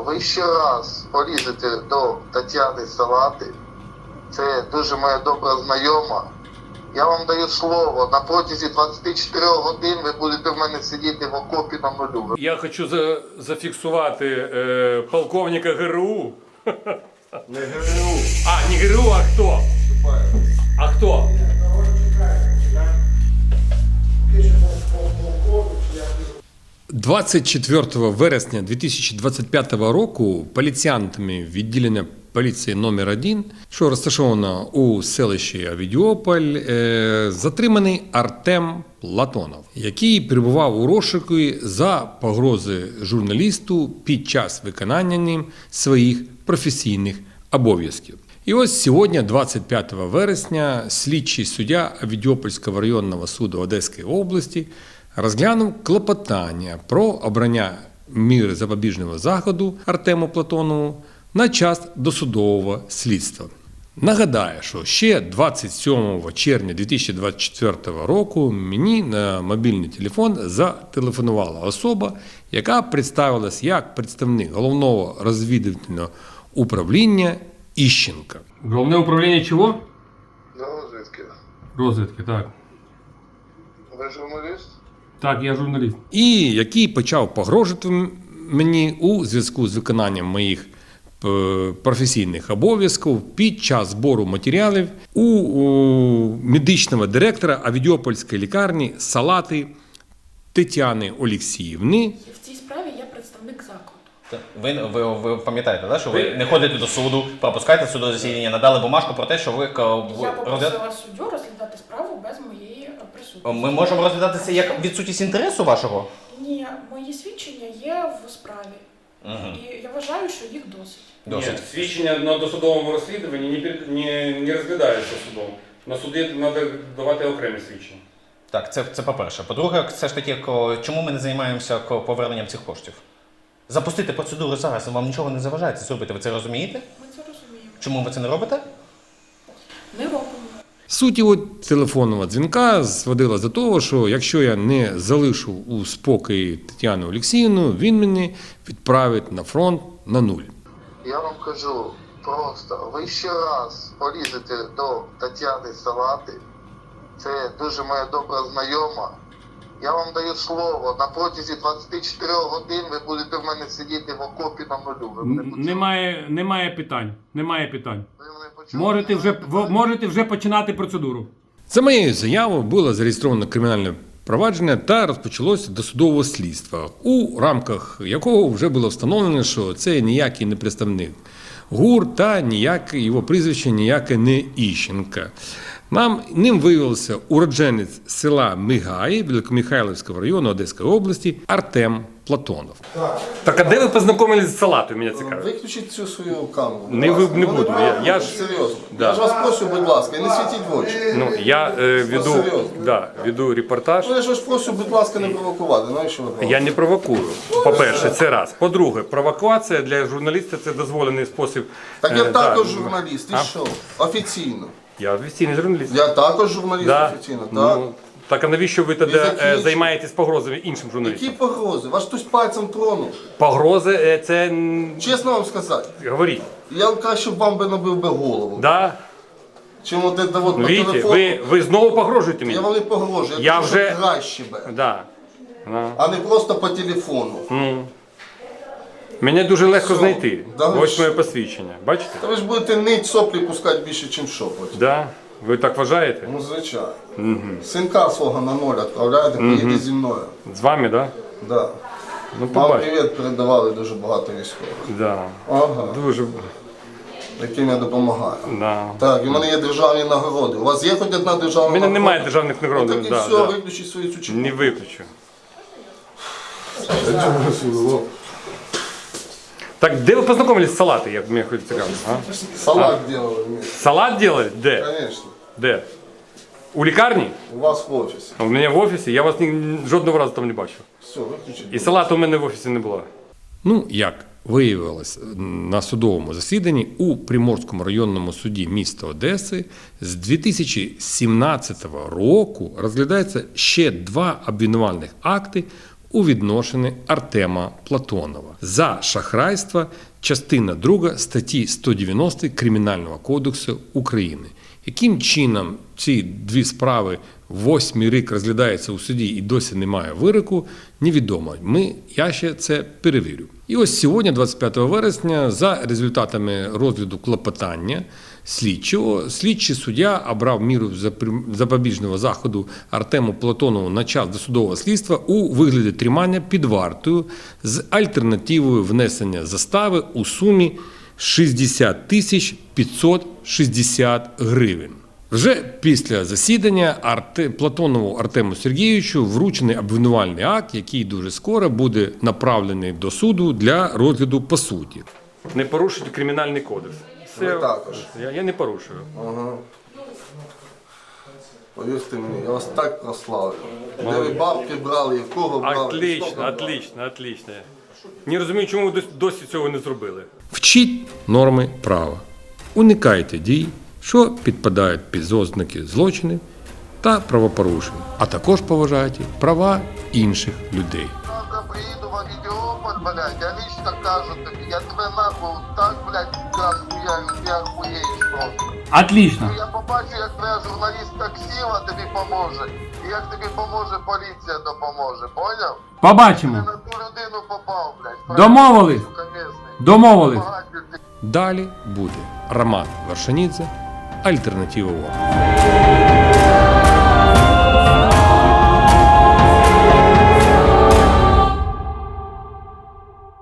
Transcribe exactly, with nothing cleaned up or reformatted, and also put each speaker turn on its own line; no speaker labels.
ви ще раз полізете до Тетяни Салати, це дуже моя добра знайома. Я вам даю слово, на протязі двадцяти чотирьох годин ви будете в мене сидіти в окопі на нулю.
Я хочу за, зафіксувати е, полковника ГРУ.
Не ГРУ.
А, не ГРУ, а хто? А хто? двадцять четвертого вересня дві тисячі двадцять п'ятого року поліціянтами відділення поліції номер один, що розташовано у селищі Авідіополь, затриманий Артем Платонов, який перебував у розшуку за погрози журналісту під час виконання ним своїх професійних обов'язків. І ось сьогодні, двадцять п'ятого вересня, слідчий суддя Авідіопольського районного суду Одеської області розглянув клопотання про обрання міри запобіжного заходу Артему Платонову на час досудового слідства. Нагадаю, що ще двадцять сьомого червня дві тисячі двадцять четвертого року мені на мобільний телефон зателефонувала особа, яка представилась як представник Головного розвідувального управління Іщенка. Головне управління чого?
Розвідки.
Розвідки, так.
Ви журналіст?
Так, я журналіст. І який почав погрожувати мені у зв'язку з виконанням моїх професійних обов'язків під час збору матеріалів у, у медичного директора Авідіопольської лікарні Салати Тетяни Олексіївни.
В цій справі я представник закладу.
Ви, ви, ви пам'ятаєте, да, що ви не ходите до суду, пропускаєте судове засідання, надали бумажку про те, що ви...
Я попросила суддю розглядати справу без моєї присутності.
Ми можемо розглядати це як відсутність інтересу вашого?
Ні, мої свідчення є в справі.
Угу.
І я вважаю, що їх досить.
Досить.
Ні, свідчення на досудовому розслідуванні не, не, не розглядаються судом. На суді треба давати окремі свідчення.
Так, це, це по-перше. По-друге, все ж таки, чому ми не займаємося поверненням цих коштів? Запустити процедуру зараз, вам нічого не заважає це зробити, ви це розумієте?
Ми це розуміємо.
Чому ви це не робите?
Не робимо.
Суть його телефонного дзвінка зводила до того, що якщо я не залишу у спокої Тетяну Олексіївну, він мене відправить на фронт на нуль.
Я вам кажу, просто ви ще раз полізете до Тетяни Салати, це дуже моя добра знайома. Я вам даю слово, на протязі двадцяти чотирьох годин ви будете в мене сидіти в окопі на нулю. Ви мене почули?
Немає, немає питань. Немає питань.
Ви мене почули?
Можете вже, в- можете вже починати процедуру.
За моєю заявою було зареєстровано кримінальне провадження та розпочалося досудове слідство, у рамках якого вже було встановлено, що це ніякий не представник ГУР та ніяке його прізвище ніяке не Іщенка. Нам ним виявився уродженець села Мигаї Великомихайлівського району Одеської області Артем Платонов.
Так.
Так а де ви познайомились з Салатою, мене цікавить?
Виключіть цю свою камеру. будь
Не,
ласка.
ви- не
Ну,
буду, я- я ж-
Серйозно.
Да.
Я ж вас прошу, будь ласка, не світіть в очі.
Ну, я е, веду,
серйозно?
да, веду репортаж.
Ну, я ж вас прошу, будь ласка, не провокувати. Навіщо ви
Я
провокуєте?
не провокую. По-перше, це раз. По-друге, провокація для журналіста – це дозволений спосіб.
Так я
е,
також
да.
журналіст, і
А?
що? Офіційно.
Я офіційний журналіст.
Я також журналіст
Да.
офіційно, так.
Ну, так а навіщо ви тоді
закінчуйте.
е, займаєтесь погрозами іншим
Які
журналістам?
погрози? Вас хтось пальцем тронув.
Погрози е, – це… м,
Чесно вам сказати,
Говоріть.
я краще б вам би набив би голову.
Да?
Чим от це от
Ну,
по
видите,
телефону.
ви, ви знову погрожуєте мені?
Я вам не погрожую, я,
Я
кажу,
вже-
що краще би.
Да. Да.
А не просто по телефону.
Мене дуже легко
Все.
знайти.
Да ви
Ось
що?
моє посвідчення. Бачите?
Та ви ж будете нить соплі пускати більше, ніж шопоть.
Да? Ви так вважаєте?
Ну, звичайно. Синка свого на ноль відправляєте, поїде зі мною.
З вами, да?
Да.
Ну,
Вам
побачите.
привіт передавали дуже багато військових.
Да.
Ага.
Дуже,
Яким я допомагаю.
да.
Так, і в мене є державні нагороди. У вас є хоч одна державна
У мене
нагорода?
немає державних нагород.
Ну, так і
Да,
все,
да.
виключіть свою цю чіпу.
Не виключу. Так, де ви познайомились з Салати, як мені хоч цікаво? А?
Салат делали вместе.
Салат делали? Де?
Конечно.
Де? У лікарні?
У вас в офісі.
А у мене в офісі, я вас ні, жодного разу там не бачив.
Все, виключіть.
І салату у мене в офісі не було. Ну, як виявилось на судовому засіданні у Приморському районному суді міста Одеси з дві тисячі сімнадцятого року розглядається ще два обвинувальних акти у відношенні Артема Платонова за шахрайство, частина друга статті сто дев'яносто Кримінального кодексу України. Яким чином ці дві справи восьмий рік розглядаються у суді і досі немає вироку, невідомо. Ми, я ще це перевірю. І ось сьогодні, двадцять п'ятого вересня, за результатами розгляду клопотання слідчого, слідчий суддя обрав міру запобіжного заходу Артему Платонову на час досудового слідства у вигляді тримання під вартою з альтернативою внесення застави у сумі шістдесят тисяч п'ятсот шістдесят гривень. Вже після засідання Арте... Платонову Артему Сергійовичу вручений обвинувальний акт, який дуже скоро буде направлений до суду для розгляду по суті. Не порушуйте кримінальний кодекс.
Ви також.
Я, я не порушую.
Ага. Повірте мені, я вас так прославлю. Де ви бабки брали і в кого брали? і що
Отлично,
брали.
отлично, отлично. Не розумію, чому ви досі цього не зробили. Вчіть норми права. Уникайте дій, що підпадають під ознаки злочинів та правопорушень, а також поважайте права інших людей.
Завтра приїду в Авідіополь, блядь, я лично кажу тобі, я тебе нахуй так, блядь, газ хуярю, ти охуєш просто.
Отлично.
Я побачу, як твоя журналістка Ксіва тобі поможе, і як тобі поможе поліція допоможе, поняв? Ти
Побачимо.
на ту людину попав, блядь.
Домовились.
Сука, місний.
Домовились.
Багатий ти.
Далі буде Роман Варшанідзе, Альтернатива ООН.